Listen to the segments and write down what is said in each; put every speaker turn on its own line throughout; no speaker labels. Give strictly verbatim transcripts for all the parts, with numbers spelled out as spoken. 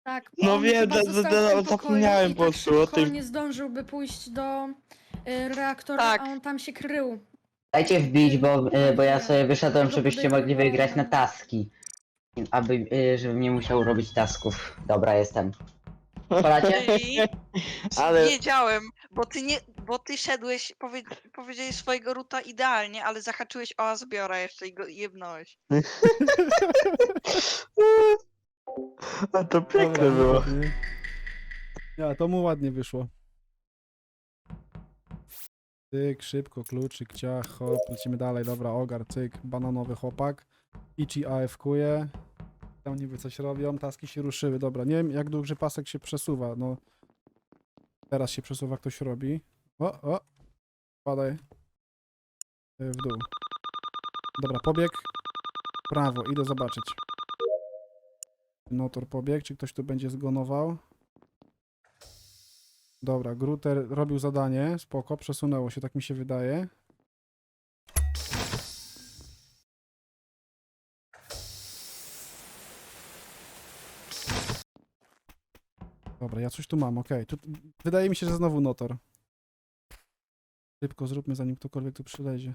Tak,
No
on
wiem,
chyba
da-
został
da-
w
da-
tym pokoju
zapomniałem
i
po
tak
prostu o
szybko
tym.
nie zdążyłby pójść do y, reaktora,
Tak.
a on tam się krył.
Dajcie wbić, bo, y, bo ja sobie wyszedłem,
Go
żebyście mogli wygrać na
podejrzewałam.
taski. Aby, y, żebym nie musiał robić tasków. Dobra, jestem. Polacie?
Czyli
Ale
wiedziałem, bo ty nie, bo ty szedłeś, powie, powiedziałeś swojego ruta idealnie, ale zahaczyłeś o Azbiora jeszcze i go jebnąłeś.
A to
Dobra,
piękne było.
ładnie. Ja, to mu ładnie wyszło. Cyk, szybko, kluczyk, ciach, hop, lecimy dalej, dobra, ogar, cyk, bananowy chłopak. Ichi A F kuje. Tam niby coś robią, taski się ruszyły, dobra, nie wiem jak duży pasek się przesuwa, no. Teraz się przesuwa, ktoś robi. O, o, padaj. Y, W dół. Dobra, pobieg. Prawo, idę zobaczyć. Notor pobieg, czy ktoś tu będzie zgonował? Dobra, Gruter robił zadanie, spoko, przesunęło się, tak mi się wydaje. Dobra, ja coś tu mam, okej. Tu wydaje mi się, że znowu Notor. Szybko zróbmy, zanim ktokolwiek tu przylezie.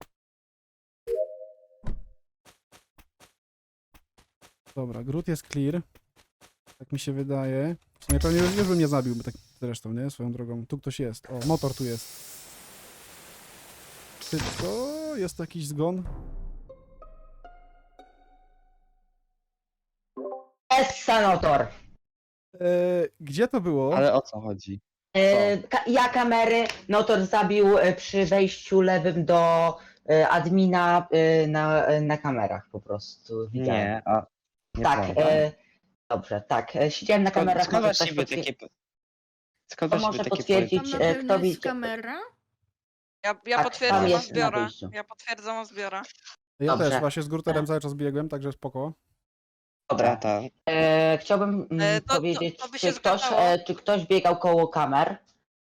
Dobra, Grut jest clear. Tak mi się wydaje. W sumie pewnie już, już bym nie zabił, bo tak zresztą, nie? Swoją drogą. Tu ktoś jest. O, motor tu jest. Szybko, jest jakiś zgon.
Jest senator.
E, gdzie to było?
Ale o co chodzi?
E, ka- ja kamery, Notor zabił e, przy wejściu lewym do e, admina e, na, e, na kamerach po prostu. Widziałem.
Nie, a... Nie
Tak,
pamiętam.
e, dobrze, tak. e, Siedziałem na
Skąd,
kamerach,
skąd
może ktoś
właściwie
potwierdzi.
takie... Skąd
To
właściwie
może
takie
potwierdzić,
Tam
e,
na
kto
pewno jest
widzi.
kamera.
Ja, ja
Tak,
potwierdzam
tam jest na
Azbiora.
wyjściu.
Ja potwierdzam Azbiora.
Ja
dobrze.
też właśnie z Gruterem cały czas biegłem, także spoko.
Dobra.
Tata.
E, chciałbym mm,
E, to- to-
powiedzieć,
to by
czy,
się
ktoś,
zgadzało.
e, czy ktoś biegał koło kamer.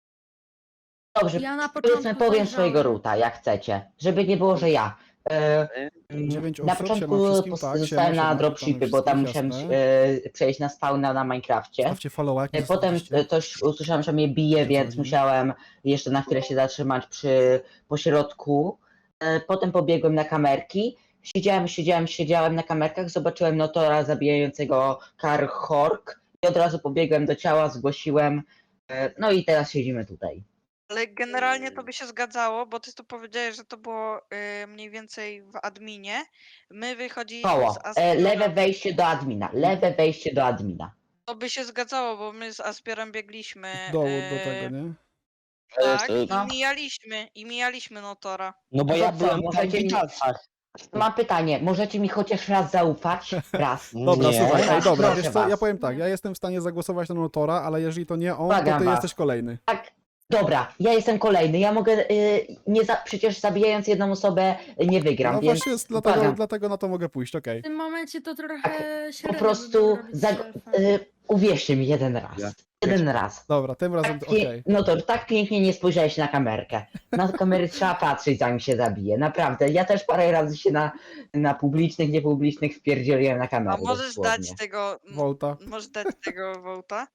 Dobrze,
Ja na
powiedzmy,
początku
powiem swojego
zajrzałem.
ruta, jak chcecie. Żeby nie było, że ja. E, mm,
Dziewięć
na
osób,
początku
siema wszystkim,
pos-
tak,
zostałem
siema,
na
siema,
dropshipy,
witamy
bo tam
wszystkich,
musiałem
jasne.
e, przejść na spawna na Minecrafcie.
Stawcie follow, jak
E, Potem e, coś usłyszałem, że mnie bije,
Co
więc
chodzi?
musiałem jeszcze na chwilę się zatrzymać przy pośrodku. E, Potem pobiegłem na kamerki. Siedziałem, siedziałem, siedziałem na kamerkach, zobaczyłem Notora zabijającego Karhork i od razu pobiegłem do ciała, zgłosiłem. e, No i teraz siedzimy tutaj.
Ale generalnie to by się zgadzało, bo ty tu powiedziałeś, że to było y, mniej więcej w adminie. My wychodziliśmy
Koło.
z
E,
Azbiora.
Lewe wejście do admina. Lewe wejście do admina.
To by się zgadzało, bo my z Azbiorem biegliśmy.
Z dołu do
y,
tego, nie?
Tak,
to-
i
No.
mijaliśmy, i mijaliśmy Notora.
No bo
To
ja
co,
byłem tam w
możecie mi-
witalcach.
Mam pytanie, możecie mi chociaż raz zaufać? Raz.
Dobra,
Nie.
słuchaj, ej, dobra,
Proszę
wiesz co, ja
was.
powiem tak, ja jestem w stanie zagłosować na Notora, ale jeżeli to nie on, to
Błagam
ty
was.
jesteś kolejny.
Tak, dobra, ja jestem kolejny. Ja mogę, y, nie za, przecież zabijając jedną osobę y, nie wygram,
No
więc
właśnie, jest, dlatego,
błagam.
dlatego na to mogę pójść, okej.
W tym momencie to trochę
po
średnio
prostu
by było robić
zag-
selfa.
y, uwierzcie mi jeden raz.
Ja.
Jeden raz.
Dobra, tym razem,
Tak
okej.
pie- No to tak pięknie nie spojrzałeś na kamerkę. Na kamery trzeba patrzeć, zanim się zabije. Naprawdę. Ja też parę razy się na, na publicznych, niepublicznych wpierdzieliłem na
A
kamerę.
możesz
dosłownie.
dać tego. m-
Volta.
Możesz dać tego Wołta?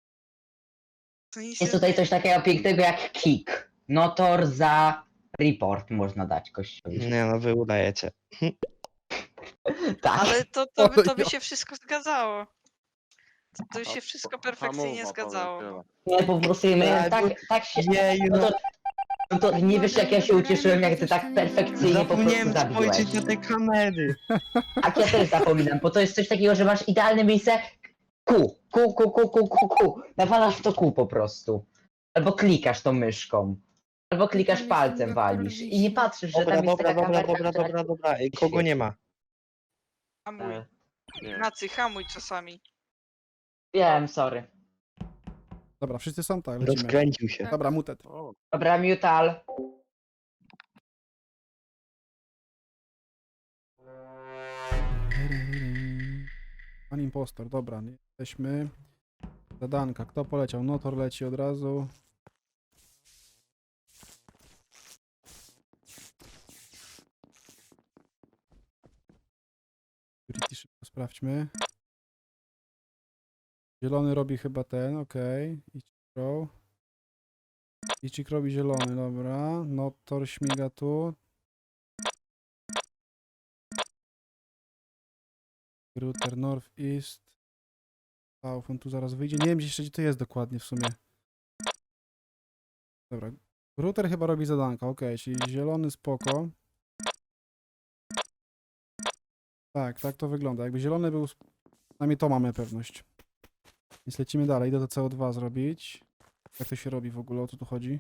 To nic
Jest
nie
tutaj coś
zmieni.
takiego pięknego jak kick. Notor za report można dać kościołowi.
Nie no, wy udajecie.
Tak.
Ale to, to, by, to by
Oj,
się wszystko zgadzało. To, to by się wszystko perfekcyjnie zgadzało.
Nie, po prostu my
Ale
tak,
bo-
tak się...
Jeju,
No
no.
to, no to nie wiesz jak ja się ucieszyłem, jak ty tak perfekcyjnie po prostu
Zapomniałem
zabiłeś.
spojrzeć na te kamery.
Tak, ja też zapominam, bo to jest coś takiego, że masz idealne miejsce. Ku, ku, ku, ku, ku, ku, ku. Nawalasz w to ku po prostu. Albo klikasz tą myszką. Albo klikasz
Tam
palcem,
jest
walisz. I nie patrzysz, że
Dobra,
tam jest
dobra,
taka
dobra,
kamerka,
dobra,
która...
dobra, dobra. Ej, kogo nie ma?
Hamuj.
E, nie.
Nacy, hamuj czasami.
Wiem, sorry.
Dobra, wszyscy są, tak, lecimy.
Rozkręcił się.
Dobra, mutet.
Dobra, mutal.
Pan impostor, dobra, nie jesteśmy. Zadanka, kto poleciał? Notor leci od razu. Security szybko sprawdźmy. Zielony robi chyba ten, okej. Ichikro. Ichik robi zielony, dobra. Notor śmiga tu. Router North East. South, on tu zaraz wyjdzie. Nie wiem jeszcze gdzie to jest dokładnie w sumie. Dobra. Router chyba robi zadanka, okej, czyli zielony spoko. Tak, tak to wygląda. Jakby zielony był, przynajmniej to mamy pewność. Więc lecimy dalej, idę to C O dwa zrobić. Jak to się robi w ogóle, o co tu chodzi?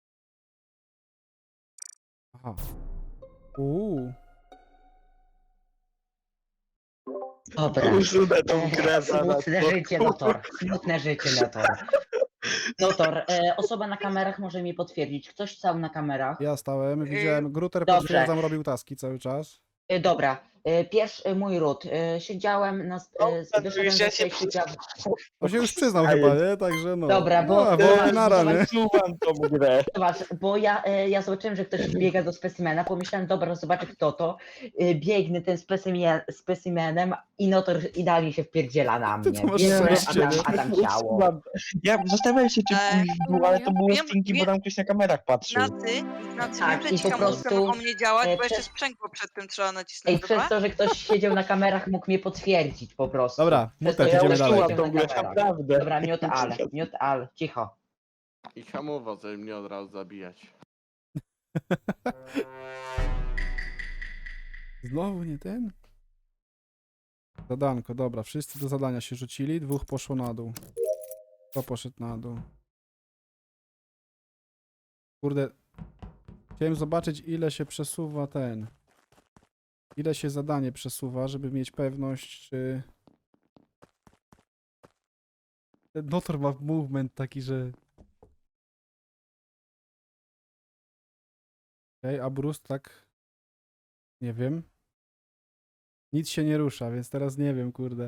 Aha. Uuu.
Dobra.
Usunę tą grę zaraz.
Smutne życie, Notor. Smutne życie, Notor. Notor, e, osoba na kamerach może mi potwierdzić. Ktoś stał na kamerach?
Ja stałem, widziałem, Gruter
dobrze.
potwierdzam, robił taski cały czas.
E, Dobra. E, Pierwszy e, mój ród. E, Siedziałem na... sp- E,
No,
wyszedłem
już
ze
ja się
swojej siedziawy.
On się już przyznał
A
chyba,
jest.
nie? Także no.
Dobra, bo-
No,
bo-
bo nara, nie?
Usuwam tą grę.
Zobacz, bo ja, e, ja zobaczyłem, że ktoś biega do specimena, pomyślałem, dobra, zobaczę kto to. E, Biegnę tym specimen, specimenem i Notor idealnie się wpierdziela na
Ty
mnie.
to masz
Biegnę,
szczęście,
a tam,
nie?
a tam ciało.
Usuwam. Ja zastanawiałem się, czy
E,
pójść w dół, ale to było
wiem-
stinki, bo
wiem-
tam ktoś na kamerach patrzył.
Ignacy, Ignacy,
Tak,
wiem, że
i
ci
po
hamulce
prostu,
mogą nie działać,
e,
bo jeszcze
przez-
sprzęgło przed tym trzeba
Ej,
nacisnąć,
przez
dobra?
to, że ktoś siedział na kamerach, mógł mnie potwierdzić po prostu.
Dobra,
Przez to,
mutek,
że
idziemy
ktoś
dalej.
siedział
Usuwam tą
na
grę,
kamerach.
naprawdę.
Dobra, miot al, miot al, cicho.
I hamował, żeby mnie od razu zabijać.
Znowu nie ten? Zadanko, dobra, wszyscy do zadania się rzucili, dwóch poszło na dół. Kto poszedł na dół? Kurde, chciałem zobaczyć ile się przesuwa ten. Ile się zadanie przesuwa, żeby mieć pewność, czy... Ten Notor ma movement taki, że... Okej, a Bruce tak... Nie wiem. Nic się nie rusza, więc teraz nie wiem, kurde.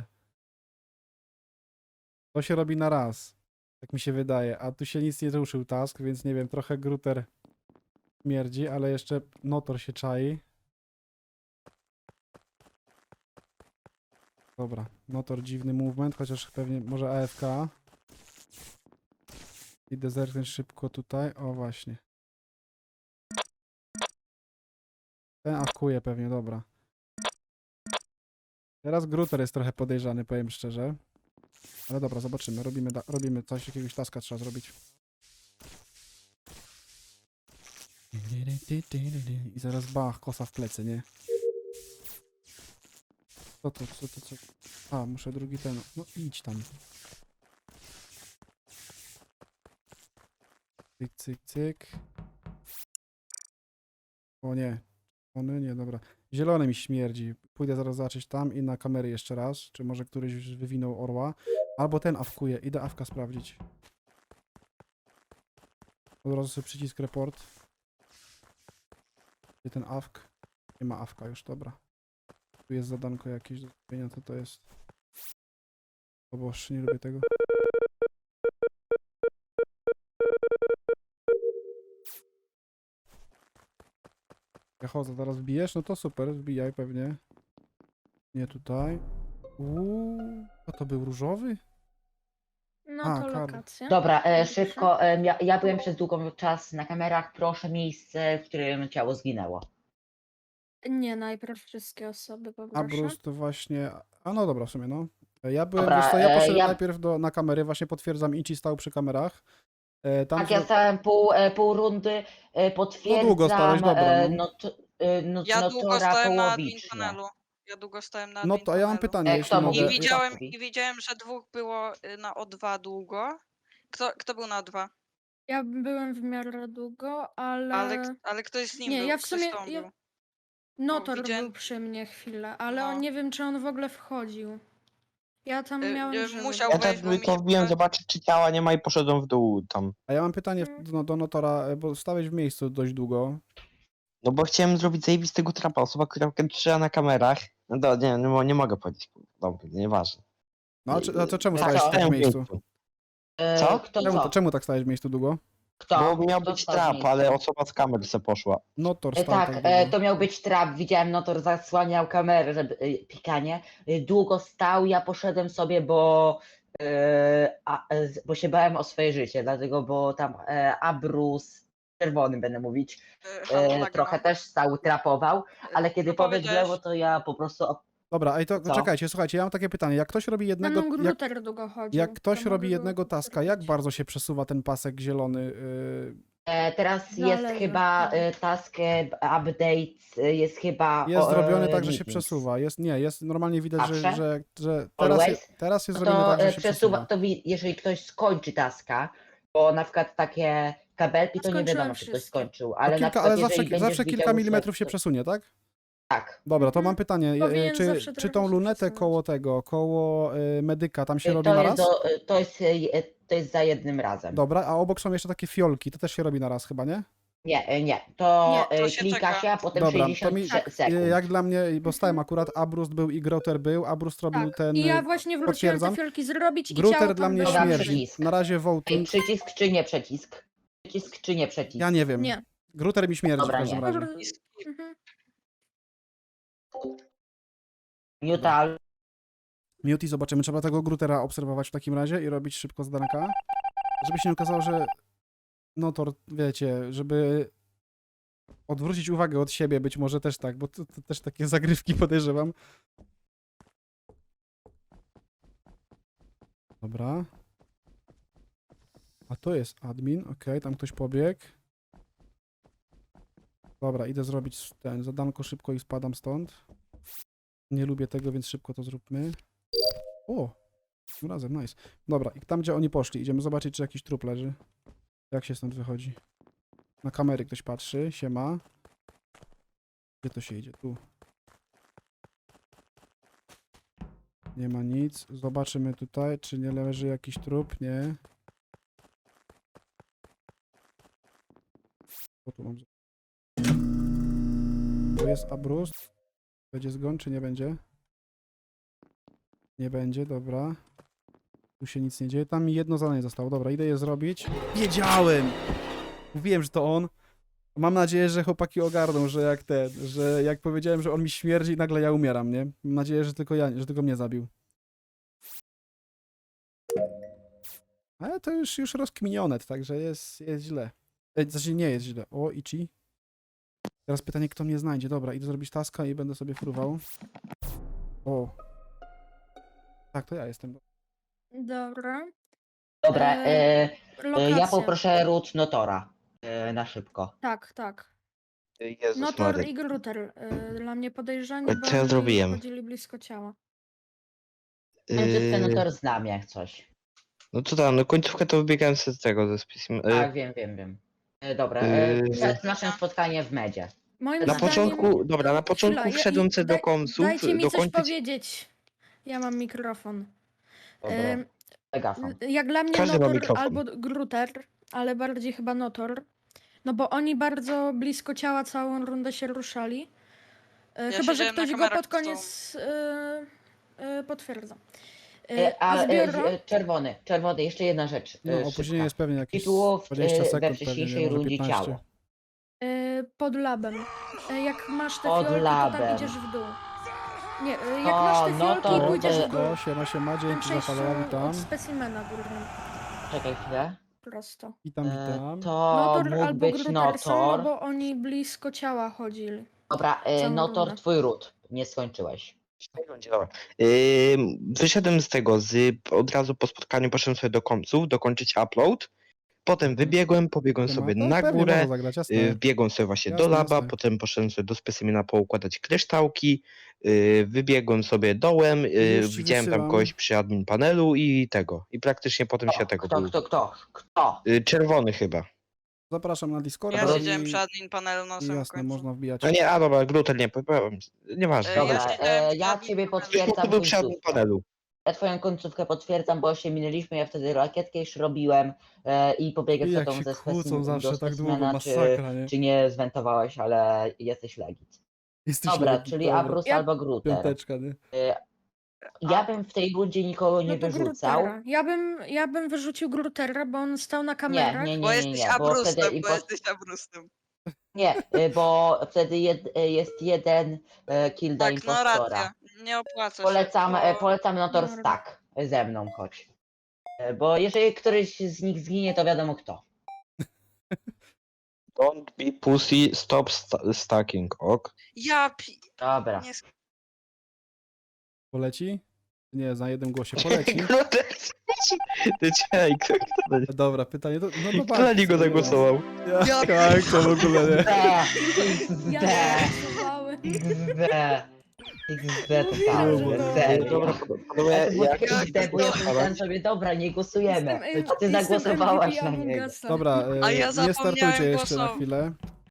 To się robi na raz. Tak mi się wydaje. A tu się nic nie ruszył task, więc nie wiem, trochę Gruter śmierdzi, ale jeszcze Notor się czai. Dobra, Notor dziwny movement, chociaż pewnie może A F K. Idę zerknąć szybko tutaj. O, właśnie. Ten awkuje pewnie, dobra. Teraz Gruter jest trochę podejrzany, powiem szczerze. Ale dobra, zobaczymy. Robimy, da- robimy coś, jakiegoś taska trzeba zrobić. I zaraz bach, kosa w plecy, nie? Co to, co to, co? A, muszę drugi ten. No idź tam. Cyk, cyk, cyk. O nie. One nie, dobra. Zielony mi śmierdzi. Pójdę zaraz zobaczyć tam i na kamery jeszcze raz. Czy może któryś już wywinął orła. Albo ten awkuje. Idę awka sprawdzić. Od razu sobie przycisk report. Gdzie ten awk? Nie ma awka już, dobra. Tu jest zadanko jakieś do zrobienia, co to jest? O Boże, nie lubię tego. Ja chodzę, zaraz wbijesz? No to super, wbijaj pewnie. Nie tutaj. Uuu, a to był różowy?
No
A,
to
Karol.
lokacja.
Dobra, e,
Proszę.
szybko, e, ja, ja byłem przez długi czas na kamerach, proszę miejsce, w którym ciało zginęło.
Nie, najpierw wszystkie osoby
A
poproszę.
Bruce to właśnie... A no dobra, w sumie no. Ja byłem,
Dobra,
wiesz co, ja
e,
poszedłem
ja-
najpierw do, na kamery, właśnie potwierdzam, Ichi stał przy kamerach. E, tam
Tak,
zro-
ja stałem pół, e, pół rundy, e, potwierdzam,
długo stałeś, dobra,
e,
no.
not, e, not,
Ja długo
notora
stałem na admin
połowicznie.
panelu. Ja długo stałem na
No
admin
to ja mam
panelu.
pytanie,
E,
jeśli
kto
mogę.
I
mówi?
widziałem,
mówi?
I widziałem, że dwóch było y, na O dwa długo. Kto, kto był na O dwa?
Ja byłem w miarę długo, ale...
Ale, k- ale ktoś z nim
Nie,
był.
ja w
ktoś
sumie-
z tą
ja-
był.
Notor
widziałem-
był przy mnie chwilę, ale
No.
on nie wiem, czy on w ogóle wchodził. Ja tam
Y,
miałem
y,
grzyby.
musiał
Ja
wejść,
tak
bo mi
tylko
się
wbiłem
wydaje-
zobaczyć, czy ciała nie ma i poszedłem w dół tam.
A ja mam pytanie w-
Mm.
no, do Notora, e, bo stałeś w miejscu dość długo.
No bo chciałem zrobić zajebistego trapa. Osoba, która trzyma na kamerach. No to nie, nie, mo- nie mogę powiedzieć. Dobra, nieważne.
No a, czy- a to czemu
A
stałeś
co?
tak w
Stałem w
miejscu?
miejscu.
E,
Co?
Kto
Czemu,
co?
czemu tak stałeś w miejscu długo?
Kto?
Bo miał
Kto
być
stał w
trap,
miejscu?
ale osoba z kamer se poszła.
Notor
E,
stał tak,
Tak,
długo.
e, to miał być trap, widziałem, Notor zasłaniał kamerę, żeby, e, pikanie. E, Długo stał, ja poszedłem sobie, bo e, a, e, z- bo się bałem o swoje życie, dlatego, bo tam e, Abrus, czerwony będę mówić,
E, Halo,
e,
laga
trochę
mam.
też stał, trapował, ale kiedy
No
powiedz w lewo,
powiedziałeś-
to ja po prostu op-
Dobra, ej, to
Co?
czekajcie, słuchajcie, ja mam takie pytanie. Jak ktoś robi
Za
jednego,
mną
jak,
Gruter długo chodził.
jak ktoś
to
robi
mogę go
jednego taska, jak
potwierdzić.
bardzo się przesuwa ten pasek zielony? Yy,
E, teraz jest
Zależy.
chyba e, task e, update, e, jest chyba.
jest
o,
zrobiony
e,
tak, że się
meetings.
przesuwa. Jest, nie, jest normalnie widać, że,
Zawsze?
że, że teraz,
Always?
jest, teraz jest
No
zrobione
to
tak, że
e,
się
przesuwa,
przesuwa.
to wi- jeżeli ktoś skończy taska, bo na przykład takie kabelki, to nie
Skończyłem
wiadomo, czy ktoś
wszystko.
skończył,
To
ale na
kilka,
przykład
ale
jeżeli
zawsze,
będziesz
zawsze kilka
widział, że
milimetrów się
to-
przesunie, tak?
Tak.
Dobra, to
Mhm.
mam pytanie. e,
Powinien
Czy,
zawsze
czy
trochę
tą
się
lunetę
przesuwać.
koło tego, koło y, medyka, tam się
E,
robi
To
na
jest,
raz?
do, e, to, jest, e, to jest za jednym razem.
Dobra, a obok są jeszcze takie fiolki, to też się robi na raz chyba, nie?
Nie, e, nie. To,
Nie,
to
e,
się
klika
czeka.
się, a potem
Dobra, to
sześćdziesiąt
mi-
se- sekund.
Y, Jak dla mnie, bo stałem akurat, Abrust był i Groter był, Abrust robił
Tak.
ten...
I ja
y,
właśnie wróciłem
potwierdzam.
te fiolki zrobić i
Gruter
ciało
dla
tam
mnie
było.
Dobra,
śmierdzi.
przycisk.
Na razie
Ej,
voting.
przycisk czy nie przycisk? Przycisk czy nie przycisk?
Ja nie wiem.
Nie.
Gruter mi śmierdzi
Dobra,
w każdym
nie.
razie.
Dobra. Mhm.
Neutral.
Muti, zobaczymy. Trzeba tego Grutera obserwować w takim razie i robić szybko zdanka. Żeby się nie okazało, że Notor, wiecie, żeby odwrócić uwagę od siebie, być może też tak, bo to, to też takie zagrywki podejrzewam. Dobra. A to jest admin, okej, tam ktoś pobiegł. Dobra, idę zrobić ten zadanko szybko i spadam stąd. Nie lubię tego, więc szybko to zróbmy. O! Tym razem, nice. Dobra, i tam gdzie oni poszli, idziemy zobaczyć, czy jakiś trup leży. Jak się stąd wychodzi? Na kamery ktoś patrzy, siema. Gdzie to się idzie? Tu. Nie ma nic. Zobaczymy tutaj, czy nie leży jakiś trup. Nie. Co tu mam? Tu jest Abrust. Będzie zgon, czy nie będzie? Nie będzie, dobra. Tu się nic nie dzieje. Tam mi jedno zadanie zostało. Dobra, idę je zrobić. Wiedziałem! Mówiłem, że to on. Mam nadzieję, że chłopaki ogarną, że jak ten, że jak powiedziałem, że on mi śmierdzi, nagle ja umieram, nie? Mam nadzieję, że tylko ja, że tylko mnie zabił. Ale to już, już rozkminione, także jest, jest źle. E, Znaczy nie jest źle. O, Ichi. Teraz pytanie, kto mnie znajdzie. Dobra, idę zrobić taska i będę sobie fruwał. O. Tak, to ja jestem.
Dobra.
Dobra, e,
Eee,
e,
Lokacja.
ja poproszę root Notora e, na szybko.
Tak, tak.
Jezus
Notor
Maria.
i Gruter. y, Dla mnie podejrzani,
Co
bo
ja
oni
zrobiłem?
chodzili blisko ciała.
Końcówkę
Yy,
Notor znam jak coś.
no to tam, no końcówkę to wybiegałem z tego ze spisem.
Tak, wiem, wiem, wiem. E, dobra, e,
Yy.
przed naszym spotkaniem w medzie.
Moim
Na
Zdaniem-
początku, dobra, na początku
Chwila, ja-
wszedłem
i-
sobie do
daj-
końców,
Dajcie mi coś
dokończyć...
powiedzieć. Ja mam mikrofon.
Dobra,
Ym,
megafon.
Jak dla mnie
Każdy ma
Notor
mikrofon.
albo Gruter, ale bardziej chyba Notor. No bo oni bardzo blisko ciała całą rundę się ruszali. E, Chyba, że
siedziałem na
ktoś go
kamerach
pod
z tobą.
koniec e, e, potwierdza. E,
E, a
a
e,
zbioro...
e, czerwony, czerwony, jeszcze jedna rzecz.
No,
e,
opóźnienie
szybka.
jest pewnie jakieś
Tytułów
dwadzieścia
e, we
sekund, pewnie,
wcześniejszej
nie, może
rundzie
piętnaście.
ciało.
e, pod labem. E, Jak masz te
Pod
fiolki, to tam
labem.
idziesz w dół. Nie, e, jak
O,
masz te
no
fiolki,
to-
pójdziesz
to-
w dół.
O, siema, siema,
W tym
dzięki za
przejściu
follow, witam.
od specimena górnym.
Czekaj chwilę.
Prosto.
Witam,
E,
witam.
to
Notor
mógł
albo
być
Gruter są, no
Notor.
bo oni blisko ciała chodzili.
Dobra, e,
całą
Notor,
rundę.
twój root. Nie skończyłeś.
Dobra. Yy, wyszedłem z tego, z, od razu po spotkaniu poszedłem sobie do końców, dokończyć upload. Potem wybiegłem, pobiegłem
Siema.
sobie
No,
na
pewnie
górę,
można zagrać, jasne.
yy, wbiegłem sobie właśnie
Jasne,
do laba,
jasne.
potem poszedłem sobie do specimena poukładać kryształki, yy, wybiegłem sobie dołem, yy,
Już ci
widziałem tam
wysyłam.
kogoś przy admin panelu i tego. I praktycznie potem się
Kto,
tego
kto,
był.
kto, kto, kto?
Yy, czerwony chyba.
Zapraszam na Discorda.
Ja
Dobra,
siedziałem
i-
przy admin panelu na
i
samym
jasne,
końcu.
można wbijać.
A nie, a dobra, Gruter nie, powiem, nieważne.
E, ja
Dobra,
siedziałem
e,
przy
ja
admin
ciebie
panelu.
potwierdzam
Ktoś był przy admin
końcówkę.
panelu.
Ja twoją końcówkę potwierdzam, bo się minęliśmy, ja wtedy rakietkę już robiłem e, i pobiegłem
I
za
jak
tą
się
ze
kłócą
specimen-
zawsze
do
tak długo,
specimena, czy,
masakra, nie?
czy nie zwentowałeś, ale jesteś legit.
Jesteś
Dobra,
legit,
czyli
dobra.
Abrus
Ja-
albo Gruter.
Piąteczka, nie?
E, ja bym w tej rundzie nikogo nie
No to
wyrzucał.
Grutera. Ja bym, ja bym wyrzucił Grutera, bo on stał na
Nie,
kamerach.
nie,
Bo
nie, nie,
jesteś
nie, bo wtedy
abrustem, bo
impo-
jesteś abrustem.
nie, e, bo wtedy jed, e, jest jeden e, kill dla
Tak, no
impostora.
racja. Nie opłaca się.
Polecam,
bo...
e, polecam Notor
Dobra.
Stack ze mną, chodź. E, Bo jeżeli któryś z nich zginie, to wiadomo kto.
Don't be pussy, stop sta- stacking, ok?
Ja pi...
Dobra.
Nie... sk-
Poleci? Nie, na jednym głosie poleci.
Ty czekaj, kto, kto,
Dobra, pytanie to... No to
kto na niego zagłosował?
Ja,
Ja
tak, to w ogóle nie.
Ja
D,
zagłosowałem.
X D. X D
Mówiłam, że
totalnie,
to-
serio.
Dobra, panowie,
Ale to było
jak
takie X D, bo ja pomyślałem sobie, dobra, nie głosujemy.
Jestem,
A ty
jestem
zagłosowałaś
M V P
na niego.
Among Usa.
Dobra,
A
e,
ja
nie
zapomniałem
startujcie jeszcze na
głosować.
chwilę.